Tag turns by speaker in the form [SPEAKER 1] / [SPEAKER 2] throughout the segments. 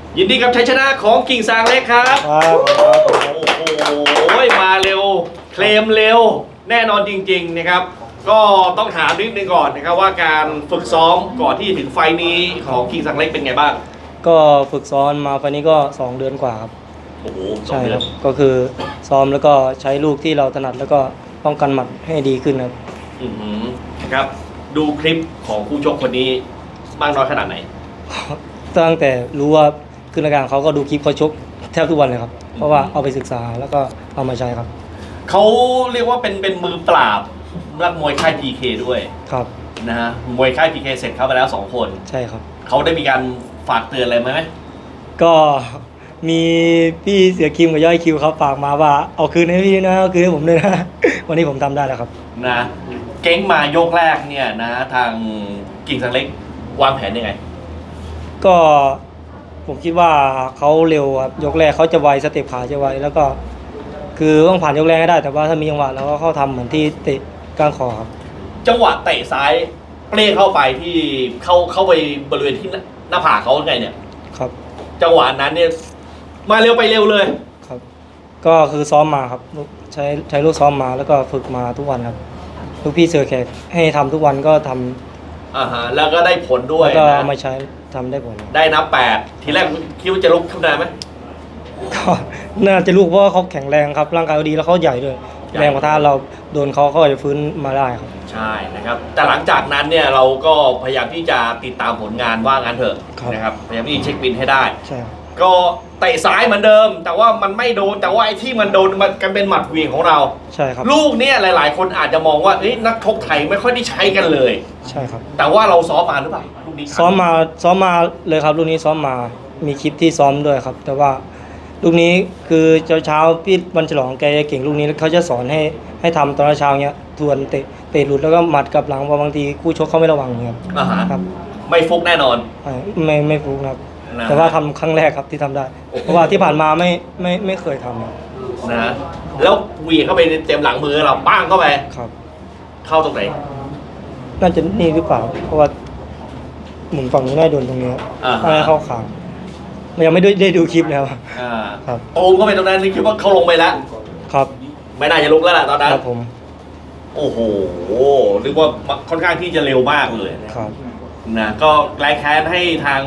[SPEAKER 1] ยินดีกับชัยชนะของกิ่งซางเล็กครับโอ้โหมาเร็วเคลมเร็วแน่นอนจริงๆนะครับก็ต้องถามนิดนึงก่อนนะครับว่าการฝึกซ้อมก่อนที่จะถึงไฟนี้ของกิ่งซางเล็กเป็นไงบ้าง
[SPEAKER 2] ก็ฝึกซ้อมมาไฟนี้ก็2 เดือนกว่าครับ
[SPEAKER 1] โอ้โห
[SPEAKER 2] ใช่ครับก็คือซ้อมแล้วก็ใช้ลูกที่เราถนัดแล้วก็ป้องกันหมัดให้ดีขึ้นครับ
[SPEAKER 1] นะครับดูคลิปของคู่ชกคนนี้มากน้อยขนาดไหน
[SPEAKER 2] ตั้งแต่รู้ว่าขึ้นรายการเขาก็ดูคลิปเขาชกแทบทุกวันเลยครับเพราะว่าเอาไปศึกษาแล้วก็เอามาใช้ครับ
[SPEAKER 1] เขาเรียกว่าเป็นมือปราบนักมวยค่าย PK ด้วย
[SPEAKER 2] ครับ
[SPEAKER 1] นะฮะมวยค่าย PK เสร็จเข้าไปแล้ว2 คน
[SPEAKER 2] ใช่ครับ
[SPEAKER 1] เขาได้มีการฝากเตือนอะไรไหม
[SPEAKER 2] ก็มีพี่เสือคิมกับย่อยคิวเขาฝากมาว่าเอาคืนให้พี่นะเอาคืนให้ผมด้วยนะวันนี้ผมทำได้แล้วครับ
[SPEAKER 1] นะเก้งมายกแรกเนี่ยนะทางกิ่งซางเล็กวางแผนยังไง
[SPEAKER 2] ก็ผมคิดว่าเขาเร็วครับยกแรกเขาจะไวสเต็ปขาจะไวแล้วก็คือต้องผ่านยกแรกให้ได้แต่ว่าถ้ามีจังหวะเราก็เข้าทำเหมือนที่เตะก้านคอครับ
[SPEAKER 1] จังหวะเตะซ้ายเปรี้ยเข้าไปที่เข้าไปบริเวณที่หน้าผากเขาไงเนี่ย
[SPEAKER 2] ครับ
[SPEAKER 1] จังหวะนั้นเนี่ยมาเร็วไปเร็วเลย
[SPEAKER 2] ครับก็คือซ้อมมาครับใช้ลูกซ้อมมาแล้วก็ฝึกมาทุกวันครับลูกพี่เสือแขกให้ทำทุกวันก็ท
[SPEAKER 1] ำแล้วก็ได้ผลด้วย
[SPEAKER 2] แล้วก็มาใช้ทำได้ผล
[SPEAKER 1] ได้นับ8ทีแรกคิดว่าจะลุกขึ้นได้ไหม
[SPEAKER 2] ก็น่าจะลูกเพราะว่าเขาแข็งแรงครับร่างกายเขาดีแล้วเขาใหญ่ด้วยแรงกว่าถ้าเราโดนเขาจะฟื้นมาได้ครับ
[SPEAKER 1] ใช่นะครับแต่หลังจากนั้นเนี่ยเราก็พยายามที่จะติดตามผลงานว่างั้นเถอะนะครับพยายามที่จะเช็คบินให้ได้
[SPEAKER 2] ใช่
[SPEAKER 1] ก็เตะซ้ายเหมือนเดิมแต่ว่ามันไม่โดนแต่ว่าไอ้ที่มันโดนมันกันเป็นหมัดเหวี่ยงของเรา
[SPEAKER 2] ใช่ครับ
[SPEAKER 1] ลูกเนี่ยหลายๆคนอาจจะมองว่านักชกไทยไม่ค่อยได้ใช้กันเลย
[SPEAKER 2] ใช่ครับ
[SPEAKER 1] แต่ว่าเราซ้อมมาหรือเปล่าลูกนี้
[SPEAKER 2] ซ้อมมาเลยครับลูกนี้ซ้อมมามีคลิปที่ซ้อมด้วยครับแต่ว่าลูกนี้คือเช้าพี่วันฉลองแกจะเก่งลูกนี้เขาจะสอนให้ทำตอนเช้าเนี้ยทวนเตะหลุดแล้วก็หมัดกับหลังเพราะบางทีคู่ชกเขาไม่ระวังครับ
[SPEAKER 1] ครับไม่ฟุกแน่นอน
[SPEAKER 2] ไม่ฟุกครับแต่ว่าทำครั้งแรกครับที่ทำได้เพราะว่าที่ผ่านมาไม่เคยทำ
[SPEAKER 1] นะแล้ววีเข้าไปเต็มหลังมือเราป้างเข้าไป
[SPEAKER 2] ครับ
[SPEAKER 1] เข้าตรงไหน
[SPEAKER 2] น่าจะนี่หรือเปล่าเพราะว่าหมุนฝั่งนี้ได้โดนตรงนี้อะไรเข้าขางมันยังไม่ได้ดูคลิปแล้ว
[SPEAKER 1] ครับโอ้ก็เป็นตรงนั้นนี่คิดว่าเขาลงไปแล้ว
[SPEAKER 2] ครับ
[SPEAKER 1] ไม่น่าจะลุกแล้วแหละตอนนั้น
[SPEAKER 2] ครับผม
[SPEAKER 1] โอ้โหเรียกว่าค่อนข้างที่จะเร็วมากเลย
[SPEAKER 2] ครับ
[SPEAKER 1] นะก็แรงแค้นให้ทาง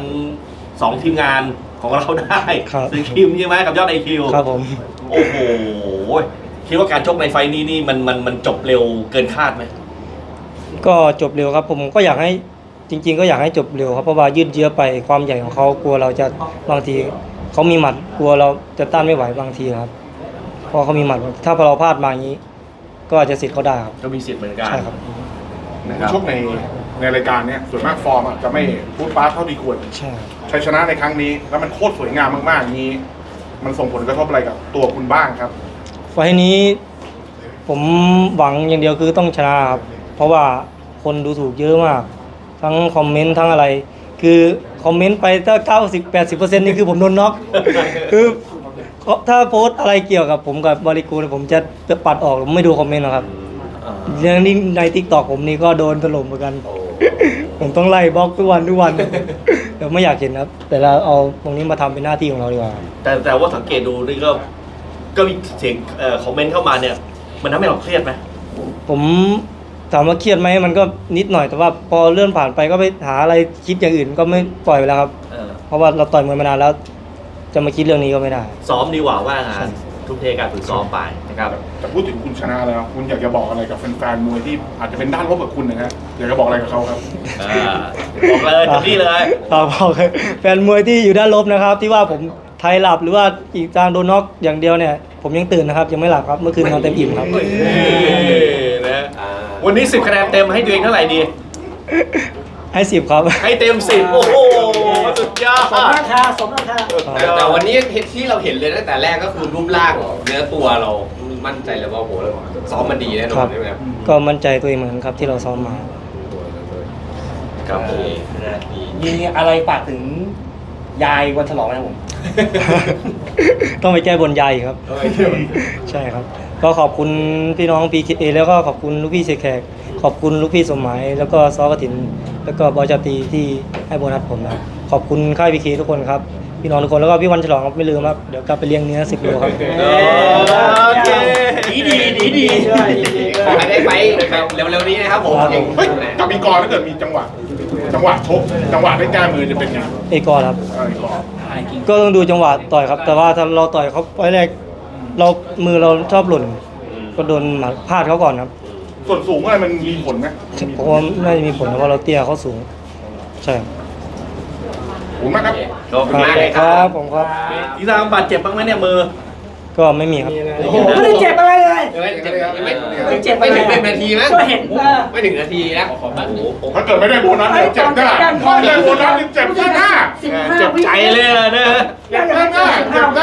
[SPEAKER 1] 2 ทีมงานของเราได้ซึ่งคิมใช่ไหมกับยอดไอคิว
[SPEAKER 2] ครับผม
[SPEAKER 1] โอ้โหคิดว่าการชกในไฟนี้นี่มันจบเร็วเกินคาดไหม
[SPEAKER 2] ก็จบเร็วครับผมก็อยากให้จริงๆก็อยากให้จบเร็วครับเพราะว่ายืดเยื้อไปความใหญ่ของเขากลัวเราจะบางทีเขามีหมัดกลัวเราจะต้านไม่ไหวบางทีครับเพราะเขามีหมัดถ้าเราพลาดมาอย่างนี้ก็อาจจะสิทธิ์เขาได้ครับ
[SPEAKER 1] ก็มีสิทธิ์เหมือนกัน
[SPEAKER 2] ใช่ครับ
[SPEAKER 3] ชกในรายการเนี้ยส่วนมากฟอร์มจะไม่พูดฟ้าเท่าที่ควร
[SPEAKER 2] ใช่
[SPEAKER 3] ชัยชนะในครั้งนี้แล้วมันโคตรสวยงามมากๆนี้มันส่งผลกระทบอะไรกับตัวคุณบ้างครับ
[SPEAKER 2] ไฟนี้ผมหวังอย่างเดียวคือต้องชนะครับเพราะว่าคนดูถูกเยอะมากทั้งคอมเมนต์ทั้งอะไรคือคอมเมนต์ไปถ้า 90-80% นี่คือผมโดนน็อกคือถ้าโพสอะไรเกี่ยวกับผมกับบริกูลผมจะปัดออกผมไม่ดูคอมเมนต์หรอกครับเรื่องนี้ใน TikTok ผมนี่ก็โดนถล่มเหมือนกันผมต้องไล่บล็อกทุกวันเดี๋ยวไม่อยากเห็นครับแต่เราเอาตรงนี้มาทำเป็นหน้าที่ของเราดีกว่า
[SPEAKER 1] แต่ว่าสังเกตดูนี่ก็มีเสียงคอมเมนต์เข้ามาเนี่ยมันทำให้เราเครียดไหม
[SPEAKER 2] ผมถามว่าเครียดไหมมันก็นิดหน่อยแต่ว่าพอเลื่อนผ่านไปก็ไปหาอะไรคิดอย่างอื่นก็ไม่ปล่อยไปแล้วครับเพราะว่าเราต่อยมวยมานานแล้วจะมาคิดเรื่องนี้ก็ไม่ได้
[SPEAKER 1] ซ้อมดีกว่าว่างานทุ่มเทการฝึกซ้อมไปนะครับ
[SPEAKER 3] แต่พูดถึงคุณชนะแล้วคุณอยากจะบอกอะไรกับแฟนๆมวยที่อาจจะเป็นด้านลบกับคุณนะฮะอยากจะบอกอะไรกับเขาครับ
[SPEAKER 1] บอกเลยถึงนี่เลย
[SPEAKER 2] บอกแฟนมวยที่อยู่ด้านลบนะครับที่ว่าผมไทยหลับหรือว่าอีกทางโดนน็อกอย่างเดียวเนี่ยผมยังตื่นนะครับยังไม่หลับครับเมื่อคืนนอนเต็มอิ่มครับ
[SPEAKER 1] นะวันนี้10 คะแนนเต็มให้ตัวเองเท่าไหร่ดี
[SPEAKER 2] ให้10ครับ
[SPEAKER 1] ให้เต็ม10โอ้โหสุดยอด
[SPEAKER 4] สมราคาแต่วันนี้ที่เราเห็นเลยตั้งแต่แรกก็คือรูปร่างเนื้อตัวเรามั่นใจเลยว่าโหเราซ้อมมาดีแน่นอนใช่ไหมครับ
[SPEAKER 2] ก็มั่นใจตัวเองเหมือนกันครับที่เราซ้อมมา
[SPEAKER 1] ครับ
[SPEAKER 4] มีอะไรฝากถึงยายวันฉลองไหมผม
[SPEAKER 2] ต้องไปแก้บนยายครับใช่ครับก็ขอบคุณพี่น้อง PKA แล้วก็ขอบคุณลูกพี่เสกแขกขอบคุณลูกพี่สมหมายแล้วก็ซอกระถินแล้วก็บอยจตีที่ให้โบนัสผมนะขอบคุณค่าย PK ทุกคนครับพี่น้องทุกคนแล้วก็พี่วันฉลองครับไม่ลืมครับเดี๋ยวกลับไปเลี้ยงเนื้อ10 โลครับ
[SPEAKER 1] โอเค
[SPEAKER 5] ดี
[SPEAKER 4] ขอให้ได้ไปแบบเร็วๆนี้นะครับผม
[SPEAKER 2] ครับ
[SPEAKER 3] เฮ้ยกับอีกรถ้าเกิดมีจังหวะชกจังหวะได้แก้มือจะเป็นไง
[SPEAKER 2] เอกอร์ครับ
[SPEAKER 3] อีกร
[SPEAKER 2] ก็ต้องดูจังหวะต่อยครับ แต่ว่าถ้าเราต่อยเขาไว้แรกมือเราชอบหล่น ก็โดนหมัดพลาดเขาก่อนครับ
[SPEAKER 3] ส่วนสูงอะไรมันมีผลไหม
[SPEAKER 2] เพราะว่าน่าจะมีผลเพราะเราเตี้ยเขาสูงใช่ครับ
[SPEAKER 3] ขอบคุณมากครับ
[SPEAKER 4] ขอบคุณมากเลย
[SPEAKER 2] ค
[SPEAKER 4] ค
[SPEAKER 2] รั
[SPEAKER 4] รั
[SPEAKER 2] บบ ผมครับ
[SPEAKER 1] กีซางบาดเจ็บบ้างไหมเนี่ยมือ
[SPEAKER 2] ก็ไม่มีครับ
[SPEAKER 5] ไม่ได้เจ็บอะไรเลย
[SPEAKER 4] ไม่เจ็บไม่ถึง1 นาทีมั้ง
[SPEAKER 5] ก็เห็น
[SPEAKER 4] ไม่ถึงนาทีนะโอ้โห
[SPEAKER 3] ถ้าเกิดไม่ได้โบนัสเดี๋ยวเจ็บหน้าถ้าได้โบนัสนี่เจ็บหน้า
[SPEAKER 5] 15
[SPEAKER 1] เจ็บใจเลยนะ
[SPEAKER 3] เจ็บหน้าเจ็บหน้า